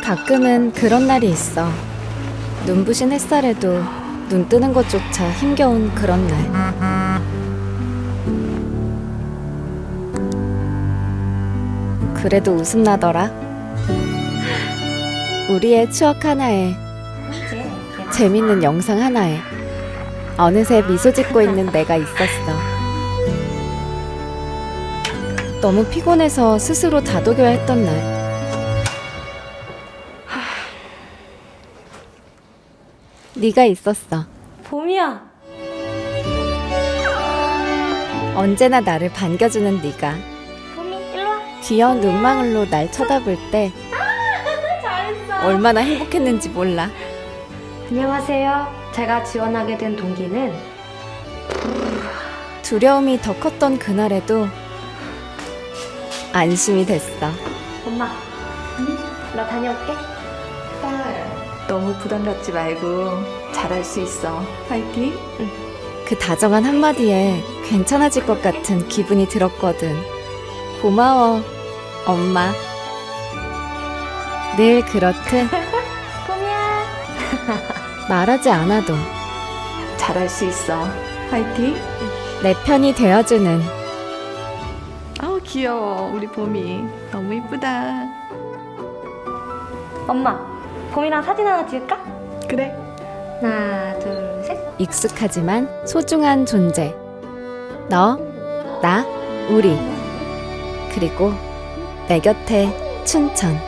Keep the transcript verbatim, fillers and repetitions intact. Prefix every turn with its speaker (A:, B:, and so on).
A: 가끔은 그런 날이 있어. 눈부신 햇살에도 눈 뜨는 것조차 힘겨운 그런 날. 그래도 웃음 나더라. 우리의 추억 하나에, 재밌는 영상 하나에 어느새 미소 짓고 있는 내가 있었어. 너무 피곤해서 스스로 다독여야 했던 날. 네가 있었어.
B: 봄이야.
A: 언제나 나를 반겨주는 네가
B: 봄이 일로 와.
A: 귀여운 눈망울로 날 쳐다볼 때
B: 잘했어.
A: 얼마나 행복했는지 몰라.
B: 안녕하세요. 제가 지원하게 된 동기는
A: 두려움이 더 컸던 그날에도 안심이 됐어.
B: 엄마. 응? 나 다녀올게.
C: 너무 부담 갖지 말고 잘할 수 있어. 파이팅!
A: 그 다정한 한마디에 괜찮아질 것 같은 기분이 들었거든. 고마워, 엄마. 늘 그렇듯
B: 봄이야.
A: 말하지 않아도
C: 잘할 수 있어. 파이팅!
A: 내 편이 되어주는
C: 아우 귀여워 우리 봄이 너무 이쁘다.
B: 엄마. 봄이랑 사진 하나 찍을까?
C: 그래.
B: 하나, 둘, 셋.
A: 익숙하지만 소중한 존재. 너, 나, 우리. 그리고 내 곁에 춘천.